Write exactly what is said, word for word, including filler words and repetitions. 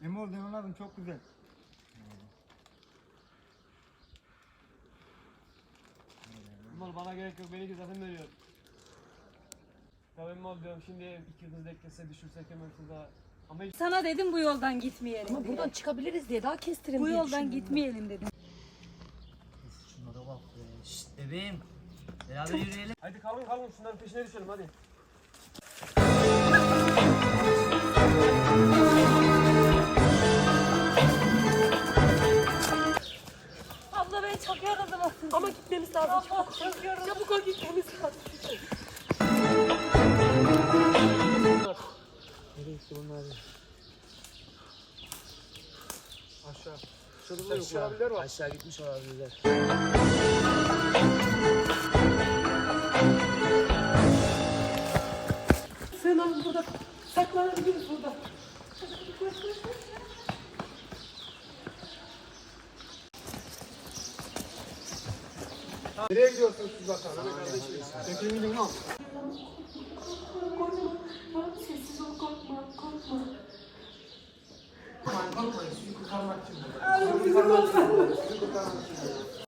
Emol Demin abim çok güzel. Emol bana gerek yok, beni zaten veriyor. Tamam Emol diyorum, şimdi iki yıldız eklese düşürsek hemen şurada. Ama hiç... Sana dedim bu yoldan gitmeyelim Ama diye. buradan çıkabiliriz diye daha kestirin Bu diye yoldan düşündüm ben. gitmeyelim dedim. Şunlara bak be. Şşt bebeğim. Beraber yürüyelim. Hadi kalın kalın, şunların peşine düşelim hadi. Abla ben çok yoruldum. Ama gitmemiz lazım. Abla çok yoruldum. Çabuk ol gitmemiz lazım. Nereye gitti bunlar? Aşağı. Şurada yok olabilir var. Aşağı gitmiş olabilirler. Sen abi burada saklanabiliriz burada. Nereye gidiyorsunuz siz bakalım? Hadi kardeşim. Çekilin gidin lan. Korkma. Tamam sessiz ol korkma korkma. Korkmayın, sizi kurtarmak için. Abi bizi korkma. Sizi kurtarmak için.